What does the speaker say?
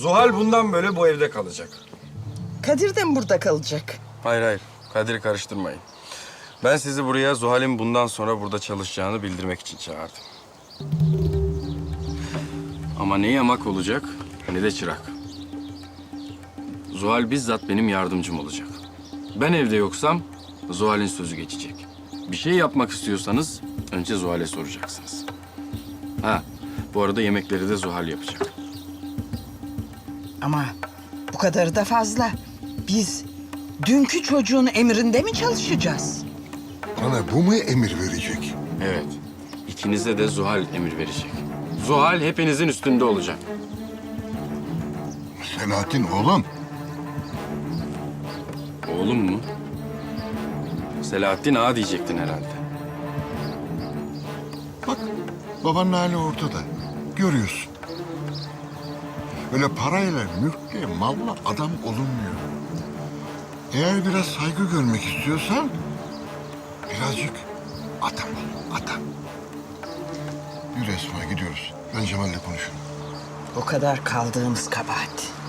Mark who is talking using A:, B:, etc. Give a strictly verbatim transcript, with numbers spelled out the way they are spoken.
A: Zuhal bundan böyle bu evde kalacak.
B: Kadir de mi burada kalacak?
A: Hayır hayır. Kadir'i karıştırmayın. Ben sizi buraya Zuhal'in bundan sonra burada çalışacağını bildirmek için çağırdım. Ama ne yamak olacak ne de çırak. Zuhal bizzat benim yardımcım olacak. Ben evde yoksam Zuhal'in sözü geçecek. Bir şey yapmak istiyorsanız önce Zuhal'e soracaksınız. Ha, bu arada yemekleri de Zuhal yapacak.
B: Ama bu kadarı da fazla. Biz dünkü çocuğun emrinde mi çalışacağız?
C: Bana bu mu emir verecek?
A: Evet, ikinize de Zuhal emir verecek. Zuhal hepinizin üstünde olacak.
C: Selahattin oğlum.
A: Oğlum mu? Selahattin Ağa diyecektin herhalde.
C: Bak babanın hali ortada. Görüyorsun. Öyle parayla, mülkle, malla adam olunmuyor. Eğer biraz saygı görmek istiyorsan birazcık adam ol, adam. Yürü Esma gidiyoruz. Ben Cemal'le konuşurum.
B: O kadar kaldığımız kabahat.